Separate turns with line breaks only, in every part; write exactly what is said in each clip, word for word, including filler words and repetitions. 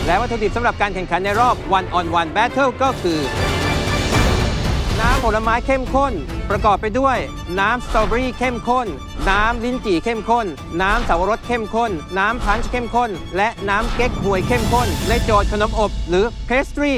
และวัตถุดิบสำหรับการแข่งขันในรอบ one on one battle ก็คือน้ำผลไม้เข้มข้นประกอบไปด้วยน้ำสตรอเบอรี่เข้มข้นน้ำลิ้นจี่เข้มข้นน้ำสับปะรดเข้มข้นน้ำพันช์เข้มข้นและน้ำเก๊กฮวยเข้มข้นในโจทย์ขนมอบหรือ pastry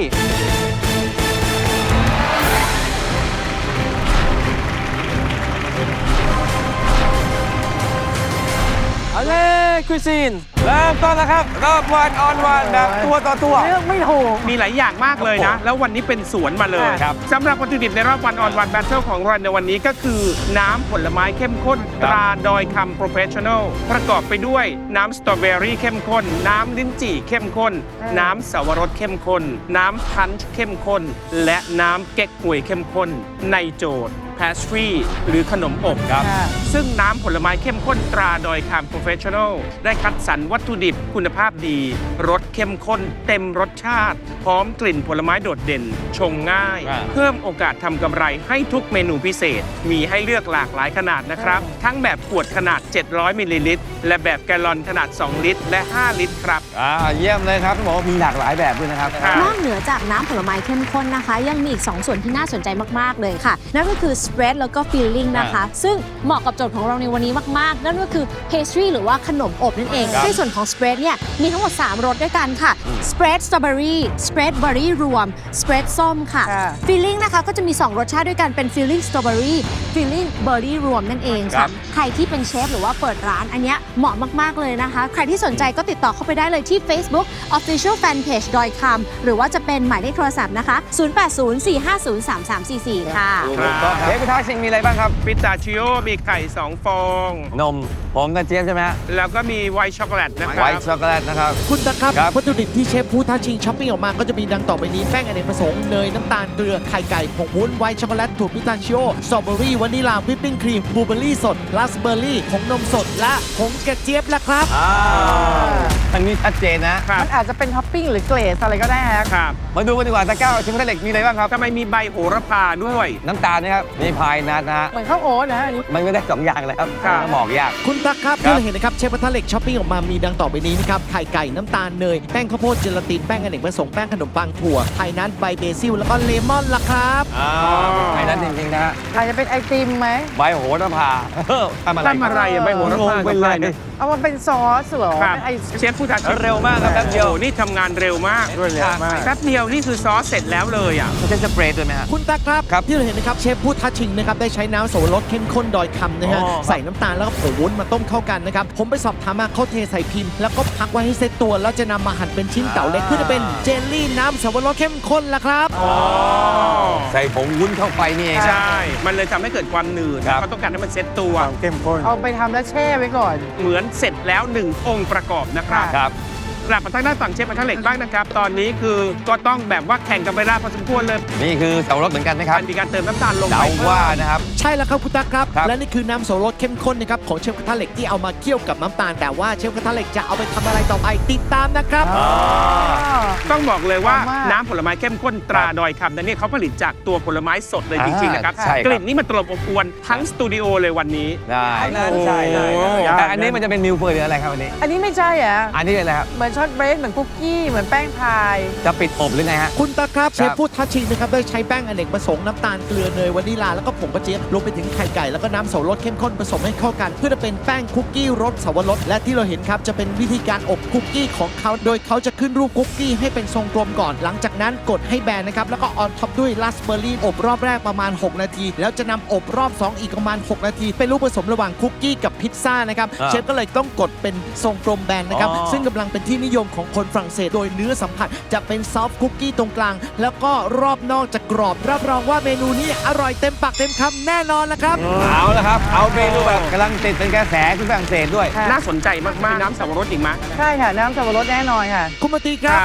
เอาเลยคุยซีนเริ่มต้นแล้วครับรอบวันออนวันแบบตัวต่อตัวเลือกไม่ถูก
มีหลายอย่างมากเลยนะ แล้ววันนี้เป็นสวนมาเลยสำหรับวัตถุดิบในรอบวันออนวันแบทเทิลของเราในวันนี้ก็คือน้ำผลไม้เข้มข้นตราดอยคำโปรเฟชชั่นอลประกอบไปด้วยน้ำสตรอเบอรี่เข้มข้นน้ำลิ้นจี่เข้มข้นน้ำสับปะรดเข้มข้นน้ำพันช์เข้มข้นและน้ำเก๊กฮวยเข้มข้นในโจทย์pastry หรือขนมอบครับซึ่งน้ำผลไม้เข้มข้นตราดอยคำโปรเฟชชั่นอลได้คัดสรรวัตถุดิบคุณภาพดีรสเข้มข้นเต็มรสชาติพร้อมกลิ่นผลไม้โดดเด่นชงง่ายเพิ่มโอกาสทำกำไรให้ทุกเมนูพิเศษมีให้เลือกหลากหลายขนาดนะครับทั้งแบบขวดขนาดเจ็ดร้อยมิลลิลิตรและแบบแกลลอนขนาดสองลิตรและห้าลิตรครับ
อ่าเยี่ยมเลยครับต้องบอกว่ามีหลากหลายแบบด้วยนะครับ
นอกเหนือจากน้ำผลไม้เข้มข้นนะคะยังมีอีกสองส่วนที่น่าสนใจมากๆเลยค่ะนั่นก็คือ spread แล้วก็ filling นะคะซึ่งเหมาะกับโจทย์ของเราในวันนี้มากๆนั่นก็คือ pastry หรือว่าขนมอบนั่นเองในส่วนของ spread เนี่ยมีทั้งหมดสามรสด้วยกันค่ะ spread strawberry spread berry รวม spread ส้มค่ะ filling นะคะก็จะมีสองรสชาติด้วยกันเป็น filling strawberry filling berry รวมนั่นเองค่ะใครที่เป็นเชฟหรือว่าเปิดร้านอันเนี้ยเหมาะมากๆเลยนะคะใครที่สนใจก็ติดต่อเข้าไปได้เลยที่ Facebook official fan page ดอยคำหรือว่าจะเป็นหมายเลขโทรศัพท์นะคะศูนย์ แปด ศูนย์ สี่ ห้า ศูนย์ สาม สาม สี่ สี่ค่ะ
เชฟพิทักษ์ซิงมีอะไรบ้างครับ
พิสตาชิโอมีไข่สองฟอง
นมผมกับเจี๊ยบใช่ไหมฮะ
แล้วก็มีไวท์ช็อกโกแลตนะครับ
ไวท์ช็อกโกแลตนะครับ
คุณตะครับวัตถุดิบที่เชฟพูท้าชิงช้อปปิ้งออกมาก็จะมีดังต่อไปนี้แป้งอเนกประสงค์เนยน้ำตาลเกลือไข่ไก่ผงวุ้นไวท์ช็อกโกแลตถั่วพิสตาชิโอสตรอเบอรี่วานิลาวิปปิ้งครีมบลูเบอร์รี่สดราสเบอร์รี่ผงนมสดและผงกระเจี๊ยบละครับ
ทางนี้ชัดเจนนะ
มันอาจจะเป็นท็อปปิ้งหรือเกรดอะไรก็ได้ครับ
มาดูกันดีกว่าตะก้าวชิมทะเลมีอะไรบ้างครับ
ทำไมมีใบโหระพาด้วย
น้ำตาลนะครับมีพายนัทนะฮะ
เหมือนข้าวโอ๊ตนะอันนี้
มันไม่ได้สองอย่างเลยครับหมอกยาก
คุณตั๊กครับที่เราเห็นนะครับเชฟกระทะเหล็กช้อปปิ้งออกมามีดังต่อไปนี้นะครับไข่ไก่น้ำตาลเนยแป้งข้าวโพดเจลาตินแป้งอเนกประสงค์แป้งขนมปังถั่วไข่นัทใบเบซิลแล้วก็เลมอนล่ะครับ
ไข่นัทจริงๆนะฮะ
อาจจะเป็นไอติมไหม
ใบโหระพา
ทำอะไรทำอะไรใบโหระพา
เป็นไร
เอามาเป็นซอสเหรอ
เชฟผู้ท้าชิง
เร็วมากครับแป๊บเดียว
นี่ทำงานเร็วมากแป๊บเดียวนี่คือซอสเสร็จแล้วเลยอ่ะ
จะสเปรย์ด้วยไหมฮะ
คุณตั๊กครับที่เราเห็นนะครับเชฟผู้ท้าชิงนะครับได้ใช้น้ำโสรสเข้มข้นดอยคำนะฮะใส่น้ำตาลแล้วก็ผงวุ้นมาต้มเข้ากันนะครับผมไปสอบถามมาเขาเทใส่พิมพ์แล้วก็พักไว้ให้เซตตัวแล้วจะนำมาหั่นเป็นชิ้นเต่าเล็กเพื่อจะเป็นเจลลี่น้ำสับปะรดเข้มข้นละครับ
ใส่ผงวุ้นเข้าไปนี่เอง
ใช่มันเลยทำให้เกิดความหนืดเขาต้องการให้มันเซตตัว
เข้มข้น
เอาไปทำแล้วแช่ไว้ก่อน
เหมือนเสร็จแล้วหนึ่งองค์ประกอบนะครับ
ครับ
กลับมาทางด้านฝั่งเชฟกระทะเหล็กบ้างนะครับตอนนี้คือก็ต้องแบบว่าแข่งกันไปได้พอสมควรเลย
นี่คือสับปะรดเหมือนกันนะครับ
มีการเติมน้ำตาลลงไป
ว่านะครับ
ใช่แล้วครับคุณตั๊กครับและนี่คือน้ำโสรสเข้มข้นนะครับของเชฟกระทะเหล็กที่เอามาเคี่ยวกับน้ำตาลแต่ว่าเชฟกระทะเหล็กจะเอาไปทำอะไรต่อไปติดตามนะครับ
ต้องบอกเลยว่าน้ำผลไม้เข้มข้นตราดอยคำนั้นเนี่ยเขาผลิตจากตัวผลไม้สดเลยจริงๆนะครับกลิ่นนี่มันตลบอบอวนทั้งสตูดิโอเลยวันนี้
ได้ใช่แต่อันนี้มันจะเป็นมิลเฟอร์หรืออะไรครับอันนี้
อันนี้ไม่ใช่อ่ะ
อันนี้อะไรครับ
เหมือนช็อตเบรดเหมือนคุกกี้เหมือนแป้งพาย
จะปิดอบหรือไงฮะ
คุณตาครับเชฟพูดทัชชิงนะครับได้ใช้แป้งอเนกประสงค์น้ำตาลเกลือเนยวานิลาแล้วก็ผงกระเจี๊ยบรวมไปถึงไข่ไก่แล้วก็น้ำโสรสเข้มข้นผสมให้เข้ากันเพื่อจะเป็นแป้งคุกกี้รสสับปะรดและที่เราเห็นครับจะเป็นวิธีการอบคุกกี้ของเขาโดยเขาจะขึ้นรูปคุกกี้ให้เป็นทรงกลมก่อนหลังจากนั้นกดให้แบนนะครับแล้วก็ออนท็อปด้วยราสเบอร์รี่อบรอบแรกประมาณหกนาทีแล้วจะนำอบรอบสองอีกประมาณหกนาทีเป็นรูปผสมระหว่างคุกกี้กับพิซซ่านะครับเชฟก็เลยต้องกดเป็นทรงกลมแบนนะครับซึ่งกำลังเป็นที่นิยมของคนฝรั่งเศสโดยเนื้อสัมผัสจะเป็นซอฟต์คุกกี้ตรงกลางแล้วก็รอบนอกจะกรอบรับรองว่าเมนูนี้อร่อยเต็มปากเต็มคำแน่นอนละครับ
เอาละครับเอาเมนูแบบกำลังติดเป็นกระแสที่ฝรั่งเศสด้วย
น่าสนใจมากๆน้ำสับปะรดอีกมั้ย
ใช่ค่ะน้ำสับปะรดแน่นอนค่ะ
คุณมาตีครับถูกต้องแล้ว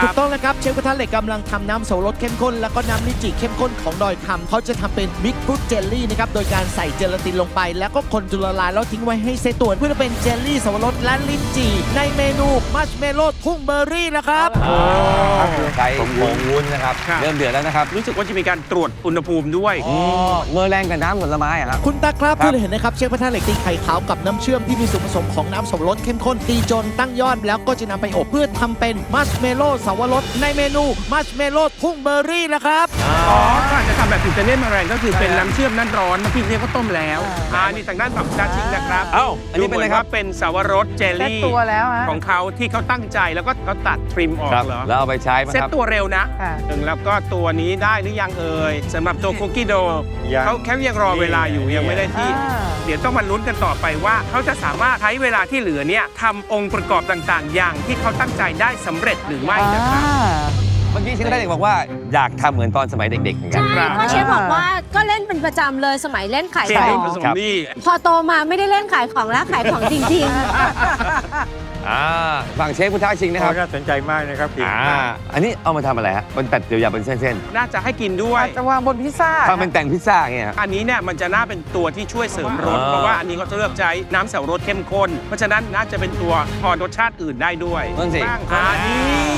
ครับเชฟกระทะเหล็กกำลังทำน้ำโสรสเข้มข้นแล้วก็น้ำลินจีเข้มข้นของดอยคำเขาจะทำเป็นมิกซ์ฟรุตเจลลี่นะครับโดยการใส่เจลาตินลงไปแล้วก็คนจนละลายแล้วทิ้งไว้ให้เซตตัวเพื่อจะเป็นเจลลี่สับปะรดและลิ้นจี่ในเมนูมัชเมลโล่ทุ่งเบอร์รี่นะครับ
ใช้ผงวุ้นนะครับ
ครับ
เริ่มเดือดแล้วนะครับ
รู้สึกว่าจะมีการตรวจอุณหภูมิด้วย
อ๋อเมื่อแรงกับน้ำผลไม้อะครับ
คุณตาครับ
ครับ
เพื่อเห็นนะครับเชฟกระทะเหล็กตีไข่ขาวกับน้ำเชื่อมที่มีส่วนผสมของน้ำสับปะรดเข้มข้นตีจนตั้งยอดแล้วก็จะนำไปอบเพื่อทำเป็นมัชเมลโล่สับปะรดในเมนูมัชเมลโล่ทุ่งเบอร์รี่นะครับ
อ๋อก็อาจจะทำแบบอิตาเลียนมาแรงก็คือเป็นน้ำเชื่อมนั่นร้อนเมื่อกี้เนี่ยก็ต้มแล้วอ่านี่ทางด้านฝั่งชาชิงนะครับ
เอ้าอันนี้เป็นอะไรครับ
ดูหมืว่าเป็นสาวรสเจล
เซ็ต
ลี่
ตัวแล้วฮะ
ของเขาที่เขาตั้งใจแล้วก็เขาตัดทริมออก
ครับ
เหรอ
แล้วเอาไปใช้ไหม
เซ็ต
ครับ
ตัวเร็วนะ
ค่ะ
หนึ่งแล้วก็ตัวนี้ได้หรือยังเอ่ยสำหรับตัวคุกกี้โดเขาแค่ยังรอเวลาอยู่ยังไม่ได้ที่
อ่า
เดี๋ยวต้องมาลุ้นกันต่อไปว่าเขาจะสามารถใช้เวลาที่เหลือเนี่ยทำองค์ประกอบต่างๆ อย่างที่เขาตั้งใจได้สำเร็จหรือไม่นะครับ
เมื่อกี้เชฟกระทะเหล็กบอกว่าอยากทำเหมือนตอนสมัยเด็กๆเหมือนกัน
ใช่เพราะเชฟบอกว่าก็เล่นเป็นประจำเลยสมัยเล่นขาย
เจ
ข
ล
อ
ลี่
ง
ผสมนี่
พอโตมาไม่ได้เล่นขายของแล้วขายของจริง
อ่าฝั่งเชฟพุทธชิงนะครับ
น่าสนใจมากนะครับพี่
อ่าอันนี้เอามาทำอะไรฮะมันตัดเดียวยาวเป็นเส้น
น่าจะให้กินด้วย
อาจจะวางบนพิซซ่า
ๆทำเป็นแต่งพิซซ่าอย่างเงี้ยฮะ
อันนี้เนี่ยมันจะน่าเป็นตัวที่ช่วยเสริมรส
อ่า
เพราะว่าอันนี้เขาจะเลือกใช้น้ำเสารสเข้มข้น เพราะฉะนั้นน่าจะเป็นตัวพอรสชาติอื่นได้ด้วย
นั่นสิ
บ้างอันนี้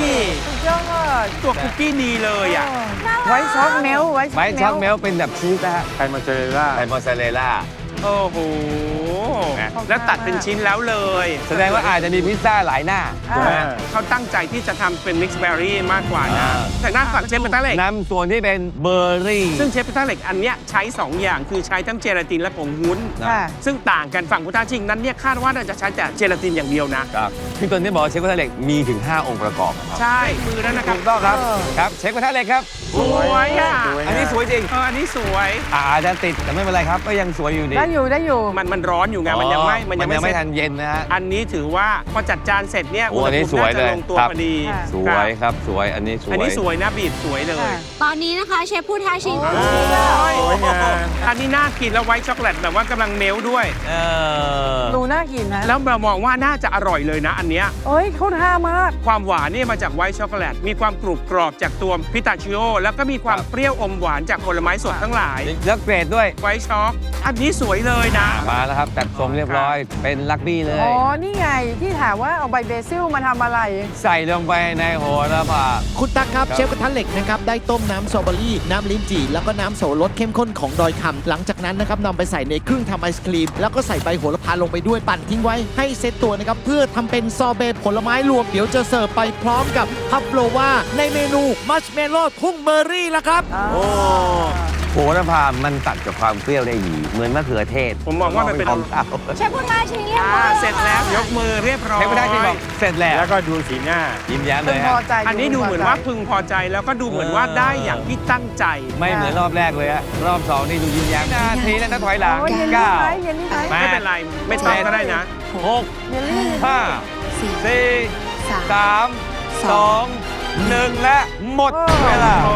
สุดยอด
ตัวคุกกี้ดีเลยอ่ะ
ไว้ช็อกเมลไว้
ไม้ช็อกเมลเป็นแบบชีสนะฮะ
ไทยมอสซาเรลล่า
ไทยมอสซาเรลล่า
โอ้โห แล้วตัดเป็นชิ้นแล้วเลย
แสดงว่าอาจจะมีพิซซ่าหลายหน้าถูกไหมฮะ
เขาตั้งใจที่จะทำเป็นมิกซ์เบอร์รี่มากกว่านะ
อ่า
แต่หน้าฝั่งเชฟกระทะเหล็ก
น้ำส่วนที่เป็นเบอร์รี่
ซึ่งเชฟกระทะเหล็กอันเนี้ยใช้สองอย่างคือใช้ทั้งเจลาตินและผงวุ้น
ค่ะ
ซึ่งต่างกันฝั่งพุทธชิงนั้นเนี่ยคาดว่าน่าจะใช้แต่เจลาตินอย่างเดียวนะ
ครับพี่ต้นที่บอกว่าเชฟกระทะเหล็กมีถึง ห้า องค์ประกอบครับ
ใช่มือแล้วนะครับ
ถูกต้องครับครับเชฟกระทะเหล็กครับ
สวยอ่ะ
สวย
อันนี้สวยจริง
เอออันนี้สวย
อาอาจจะติดแต่ไม่เป็นไรครับ ก็ยังสวยอยู่ดี
ได้อยู่ได้อยู่
มันมันร้อนอยู่ไงมันยังไม่
อ๋อ
มันยังไม่
ไม่
เสร็จ
ทันเย็นนะฮะ
อันนี้ถือว่าพอจัดจานเสร็จเนี่ย
โอ้
อุณ
อั
ห
นนี้
ภูมิ
สวย
น่าจะ
เลย
ลงตัว
ครับ
พอดี
ค่ะ
สวยครับสวยอันนี้สวย
อันนี้สวยนะบีบสวยเลย
ค่ะ
ๆ ตอนนี้นะคะเชฟพูดท้าชิง
โอ้ยอันนี้น่ากินแล้วไวท์ช็อกโกแลตแบบว่ากำลังเมลด้วย
เออ
ดูน่ากินนะ
แล้วเรามองว่าน่าจะอร่อยเลยนะอันเนี้ย
เอ้ยเขาท่ามาก
ความหวานเนี่ยมาจากไวท์ช็อกโกแลตมีความกรุบกรอบจากตัวพิตาชิโอแล้วก็มีความเปรี้ยวอมหวานจากผลไม้สดทั้งหลาย
แล้วเกรดด้วย
ไวท์ช็อกอันนี้สวยเลยนะ
มาแล้วครับจัดทรงเรียบร้อยเป็นลักบี้เล
อ๋
ย
อ นี่ไงที่ถามว่าเอาใบเบซิลมาทำอะไร
ใส่ลงไปในโหระพา
คุณตั๊กครับ
ครับ
เชฟกระทะเหล็กนะครับได้ต้มน้ำสตรอเบอรี่ น้ำลิ้นจี่แล้วก็น้ำโสรสเข้มข้นของดอยคำหลังจากนั้นนะครับนำไปใส่ในเครื่องทำไอศครีม แล้วก็ใส่ใบโหระพาลงไปด้วยปั่นทิ้งไว้ให้เซตตัวนะครับเพื่อทำเป็นซอเบต์ผลไม้รวมเดี๋ยวจะเสิร์ฟไปพร้อมกับพัฟโลวาในเมนูมัชเมลโล่ทุ่งเบอร์รี่ละครับ
โอ้โหระพามันตัดกับความเปรี้ยวได้ดีเหมือนมะเขือเทศ
ผมมองว่ามันเป็น
ของเขา
เชฟพูดท้าชิงเรียบ
อ่า
ร้อย
เสร็จแล้วยกมือเรียบร้อย
เชฟกระทะชิงบอกเสร็จแล้ว
แล้วก็ดูสีหน้า
ยิ้มแย้มเล
พึง
ย
พ
ฮะ
อใจ
อันนี้ดูเหมือนว่าพึงพอใจแล้วก็ดูเหมือนว่าได้อย่างที่ตั้งใจ
ไม่เหมือนรอบแรกเลยฮะรอบสองนี่ดูยิ้มแย้มนาทีแล้วนะถอยหลัง
โอ้ยเยลลี่
เก้า
ไหมเยลลี่ไหม
แปด
ไม่เป็นไร ไม่ต้องก็ได้นะ
หก
เยลลี่
ห้า
สี่
สี่
สาม
สามสองหนึ่งและหมดเวลา
โอ้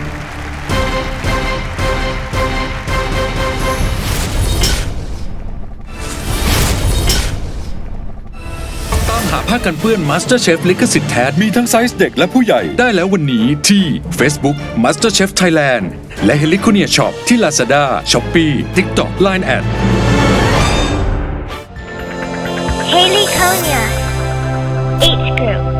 ตามหาผ้ากันเปื้อน MasterChef ลิขสิทธิ์แท้ มีทั้งไซส์เด็กและผู้ใหญ่ได้แล้ววันนี้ที่ Facebook MasterChef Thailand และ Heliconia Shop ที่ Lazada, Shopee, TikTok, ไลน์ แอด
Haley Konya, H Group.